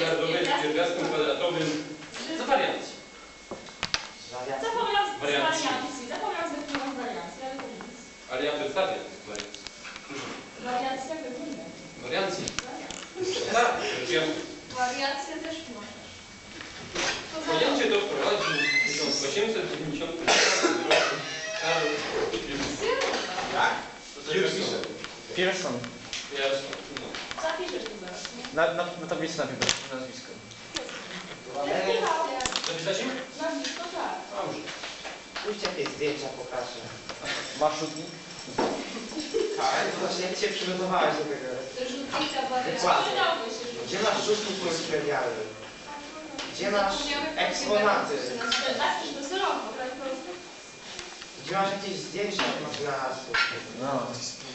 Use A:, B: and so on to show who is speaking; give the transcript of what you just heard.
A: miliardowej z pierwiastkiem kwadratowym za wariancji.
B: Zapomniałam z wariancji, ale to nic.
A: Ale ja przedstawię wariancję.
B: Wariancja wygląda.
A: Wariancję. Tak, ja
B: Wariację też możesz.
A: pojęcie to wprowadził w 1890 roku Karol
C: Tak?
A: Pearson.
D: Pearson.
A: No.
B: Zapiszesz to zaraz, nie?
D: Na tablicy napisz nazwisko.
A: Zapisać im?
B: Nazwisko tak.
A: Dobrze.
C: Pójdź jakieś zdjęcia pokażę.
D: Masz rzutnik?
C: Tak, to właśnie jak się przygotowałeś do tego?
B: Rzutnica wariacja.
C: Dokładnie.
B: Przydałby się
C: Gdzie
B: rzutnica.
C: masz rzutnik multimedialny? Gdzie masz eksponaty?
B: Zapisz do rąk, po prostu.
C: Gdzie masz jakieś zdjęcia od mecenasu?
D: No.